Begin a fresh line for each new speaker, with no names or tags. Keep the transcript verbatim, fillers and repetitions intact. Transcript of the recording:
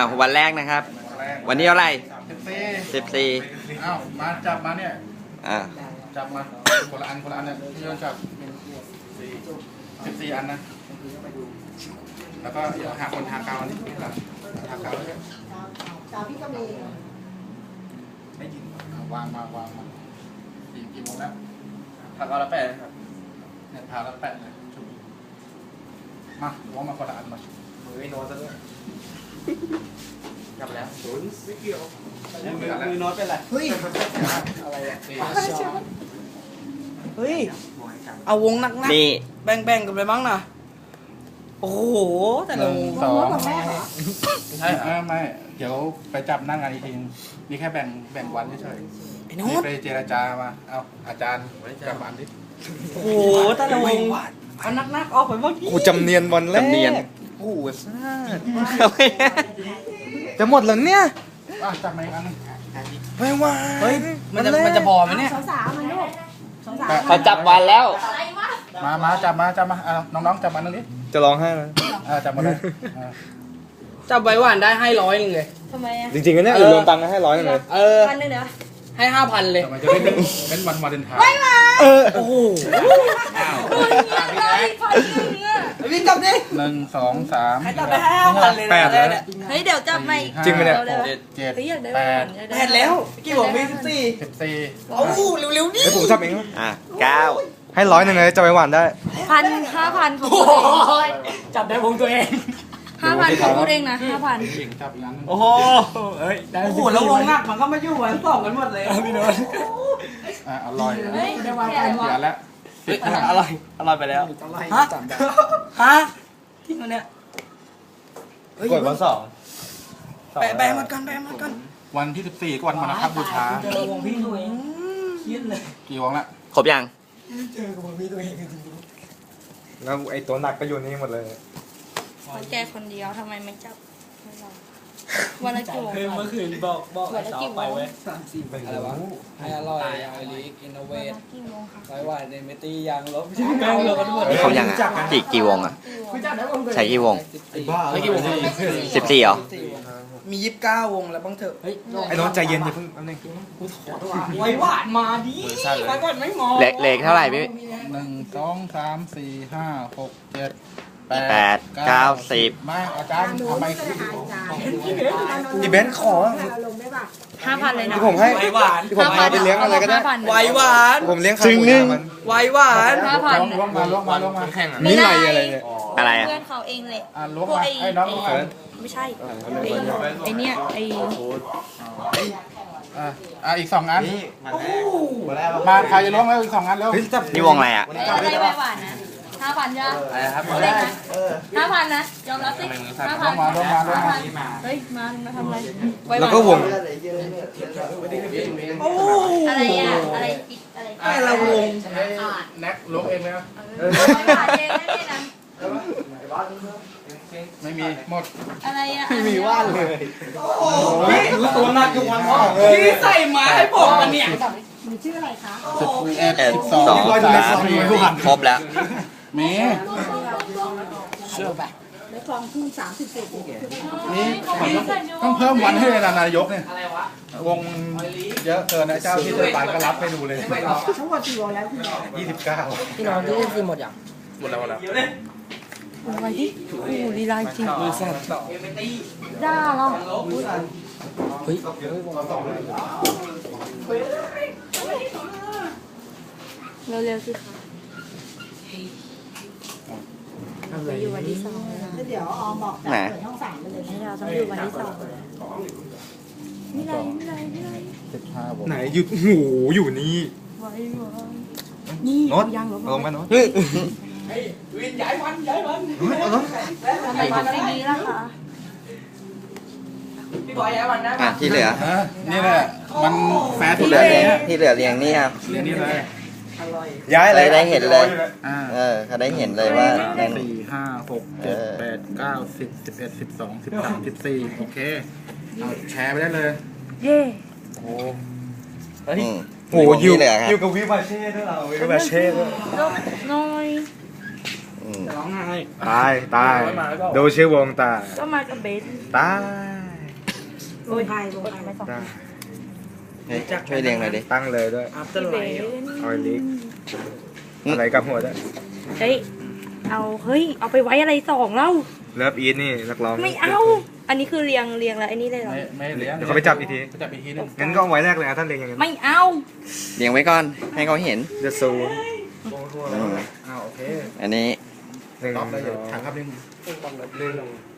วันแรกนะครับ วันนี้เท่าไหร่
สิบสี่
สิบสี่
อ้าวมาจับมาเนี่ย
อ่า
จับมาคนละอันคนละอันเนี่ยที่โยนจับสิบสี่อันนะแล้วก็เดี๋ยวหาคนทากาวนี่ทากาวเลย
กาวพี่ก็มี
ไม่ยิงวางมาวางมากี่กี่โมงแล้ว
ผักเอาละแปดครับ
เนี่ยพาแล้วแปะเลยชุบมาวางมาคนละอันมา
มือไม่โน้ตซะด้วยกลับแล้ว
ไม่เกี่ยว
มือมือโน้ตเป็นไร
เฮ้ย
อะไรอ่ะ
เฮ้ย เอาวงหนักๆ
นี่
แบ่งๆกันไปบ้างนะโอ้โห แต่
ห
ละ
นึ่ง
วง
สอง
กับแม่เหรอ
ใช่ไม่ไม่เดี๋ยวไปจับหน้างานอีกทีนี่แค่แบ่งแบ่งวันเฉย
ไอ้
ๆ
โน้
นี่
ต
ไปเจรจามาเอาอาจารย์จับอันดิ
โอ้โห แต่ละวงเอาหนักๆออกไปบ้างดิ
กูจำเนียนวันแรก
จำเนียน
โอ้โหซ่าจะหมดแล้วเนี่ย
อ่ะจับมาอีกอันนึง
ไม่ไหว
เฮ้ย มันจะมันจะพอไหมเนี่ย
สาวสาวๆมันลูกสาวสาว
เขาจับวันแล้ว
มามาจับมาจับมาเอาน้องๆจับมาตรงนี้
จะร้องไห้แล้ว
อ่าจับมาเลยอ่า
จับใบหวานได้ให้ร้อยหนึ่งเลย
ทำไมอ่ะ
จริงๆก็เนี่ย
เออ
รวมตังค์กันให้ร้อยหนึ่งเลย
เออ
วันหนึงเดี๋ยว
ให้ห้าพันเลย
จับมาจะได้เป็นเป็นวันวาเลนไทน์
เออ
โอ้โห
อ้าว
วิ่งกลับดิ
หนึ่งสองสาม
ให้จับไปให้ห้าพันเลยนะ
แปดแล้ว
เนี่ย
เฮ้ยเดี๋ยวจับใหม่
จริงไหมเนี่ย
เร็ว
เจ็ดเจ็ด
เฮ้ยอยากได้
แปด
อยากได้
แปดแล้ว กี่วงมีสิบสี่
สิบสี่
เอาเร็วๆดิ
เดี๋ยวผมจับเอง
อ่ะเก้า
ให้ร้อยหนึ่งเลยจะไปหวานได้
พันห้าพันของ
โอ้
พูด
โห
เอง
จับได้วงตัวเอง
ห้าพันของพูดเองนะห้าพัน
เก่งจับอีกอันนึง
โอ้โหเอ้ยโอ้โหแล้ววงหนักมันก็มาอยู่วันสองกันหมดเลยพี่โน้ต
อ่าอร่อย
เฮ้ยเดี๋ยววาง
เสียแล้วสิบ
อร่อยอร่อยไปแล้วฮะฮะที่มันเนี่ย
กดวันสอง
แปะแปะมากันแปะมากัน
วันที่สิบสี่ก็วันมาฆบูชา
เจอวงพี่ตัวเองเครียดเลย
กี่วงละ
ครบยัง
เจอกับวงพี่ตัวเองจริง
แล้วไอ้ตัวหนักก็อยู่นี่หมดเลย
คนแกคนเดียวทำไมไม่จับให้เราวันละกี่โมง
ๆคือเมื่อคืนบอกบอกไอ้สาวไปไว้
สามสี่ไป
อะไรวะให้อร่อยไอริกอินโนเว
วัน
ท
ละกี่โมงคะ
ไว้ว่าในเมตี้ยางลบไม่ใช่แม่งเลยกันหมด
ครบยังอ่ะกี่กี่วงอ่ะ ใช้กี่วง
ใช้กี่วง
สิบสี่เหรอ
มียี่สิบเก้าวงแล้วบ้างเถอะเฮ้ย
ไอ้น้องใจเย็นอย่าเพิ่งแป๊บนึง
ไว้หวานมาดิไว้หวานไม่มอง
เล็กเล็กเท่าไหร่พี่
หนึ่งสองสามสี่ห้าหกเจ็ด
แปดเก้าสิบ
มาอาจารย์ทำไม
อีเบนซ์ขอ
ห้าพันเลยนะ
ที่ผมให้
ไว้หวาน
ที่ผมพาไปเลี้ยงอะไรก็ได้
ห้าพัน
ไว้หวาน
ผมเลี้ยงข้าวหมูย่างมัน
ไว้หวาน
ห้าพัน
ล้วงมาล้วงมาล้วงมา
นี่ไรอะไรเนี่ย
อะไรอ่ะ
เพื่อนเขาเองเลย
อ่าล้วง
พวก
มา
ไอ้
ไอ้น้องล้วงมา
ไม่ใช่ไอ้ไอ้เนี่ยไอ้
อ่าอ่าอีกสองอันมาใครจะล้วงแล้วอีกสองอันแล้ว
เฮ้ยจับ
นี่วงอะไรอ่ะ
อะไรใบหวานนะห้าพันใช่ไหม
อะไรครับ
เอาเลขนะห้าพันนะยอมรับสิห้า
ล้ว
พัน
งมาล้วงมาล้วงมา
เฮ้ยมามาทำอะไรไว้ห
แล้ว
วาน
ก็วง
โอ้
อะไรอ่ะอะไรอีกอะไร
แต่ละวง
แน็กล้วงเองไหมครับ
ไว้หวานเองไม่ได้นะ
ไม่มีหมด
อะไรอ่ะ
มีว่านเลย
รู้ตัวหนักทุกวันพี่ใส่หมาให้ผมมันเนี่ย
สิบเอ็ด
เอ็ด
สิบ
ส
ส
อ
อง ง
สามครบแล้ว
มี
เชื่อป่ะ
แล้วคลองทุ่งสามสิบเศษ
นี่ต้องเพิ่มวันให้เลยนะนายกเนี่ย
อะไรวะ
วงเยอะเกินนะเจ้าที่จะไปก็รับไปดูเลย
ทั้งหมดกี่วงแล้วคุณ
ยี่สิบเก้า
พี่น้องที่คือหมดอย่าง
หมดแล้วหมดแล้ว
อะไรที่โอ้ลีลาจริง
มือสั่นต่อ
ด่าเหรอ
เฮ้ย
เร็วๆสิคะไปอยู่วันที่สองแล้วนะ
เดี๋ยวออมบอก
ไหน
เปิดห้องสามไปเลย
ให้เราต้องอยู่วันที่สองเลยไม่ไรไม่ไรไม่ไร
สิบห้าวง
ไหนหยุดหูอยู่นี่
ไว้ไว้นี่
โน้ต
ยังหรอ
ลงไปโน้ต
เฮ้ยวินย้ายวันย้ายวัน
ทำไมถึงไม่มีล่ะคะ
พี่บอยย้ายวันนะ
อ่ะที่เหลือ
ฮะนี่แหละมันแฟร์สุ
ที่
ด
เหลื
แล้
อ
วเนี่ย
ที่เหลือเรียงนี่ครับ
เรียนนี่เลย
ย้ายอะไร
ได้เห็นเลย
อ่า
เออเขาได้เห็นเลยว่าใน
สี่ห้าหกเจ็ดแปดเก้าสิบสิบเอ็ดสิบสองสิบสามสิบสี่โอเคเอาแชร์ไปได้เลย
เย่
โอ้
อืม
โหอยู่
ที่เหลือครับ
อยู่กับวิวาเช่ด้วยเราวิวาเช่ด้วย
ลบน้อย
อืม
ร้องไห้
ตายตายดูชื่อวงตาย
ก็มากับเบส
ตาย
โอ้ยใครวงใครไม่สอง
ได้
เฮ้ยช่วยเรียงหน่อยดิ
ตั้งเลยด้วย
พี่เบน
ออยลิกอะไรกับหัวด้วย
เฮ้ยเอาเฮ้ยเอาไปไว้อะไรสองเล่า
เลิฟอีทนี่นักร้อง
ไม่เอา อันนี้คือเรียงเรียงแล้วไอ้นี่เลยเหรอ
ไม่ไม่เลี้ยง
เดี๋ยวเขาไปจับอีกที
ไปจับอีกทีนึง
งั้นก็เอาไว้แรกเลยนะท่านเรียงอย่างนั้น
ไม่เอา
เรียงไว้ก่อน ให้เขาเห็น
เดอะซู
อืม
อ้าวโอเค
อันนี้
หนึ่ง
ล็อกเลย
ส
เดี๋ยว
อง
ถังครับนึง
หนึ่ง